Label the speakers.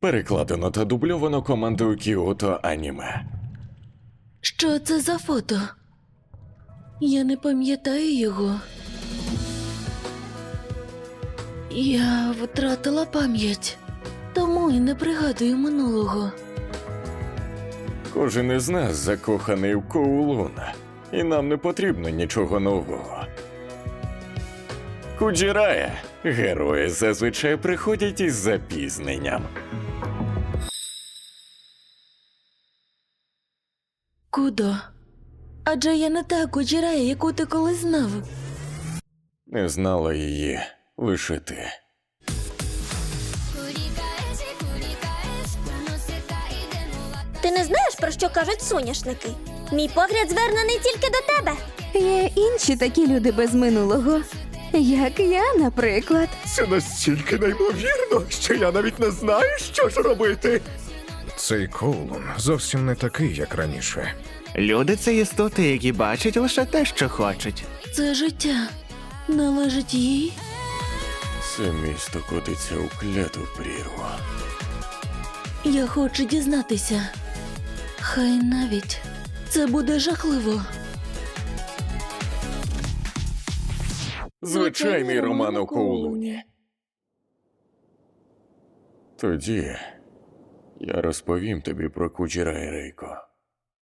Speaker 1: Перекладено та дубльовано командою Кіото Аніме.
Speaker 2: Що це за фото? Я не пам'ятаю його. Я втратила пам'ять, тому і не пригадую минулого.
Speaker 1: Кожен із нас закоханий в Коулун, і нам не потрібно нічого нового. Куджірая. Герої зазвичай приходять із запізненням.
Speaker 2: Кудо? Адже я не та Куджірая, яку ти колись знав.
Speaker 1: Не знала її лише ти.
Speaker 3: Ти не знаєш, про що кажуть соняшники? Мій погляд звернений тільки до тебе.
Speaker 4: Є інші такі люди без минулого, як я, наприклад.
Speaker 5: Це настільки неймовірно, що я навіть не знаю, що ж робити. Цей Коулун зовсім не такий, як раніше.
Speaker 6: Люди – це істоти, які бачать лише те, що хочуть.
Speaker 2: Це життя належить їй.
Speaker 1: Це місто котиться у кляту прірву.
Speaker 2: Я хочу дізнатися. Хай навіть це буде жахливо.
Speaker 1: Звичайний роман у Коулуні. Тоді я розповім тобі про Куджірая, Рейко.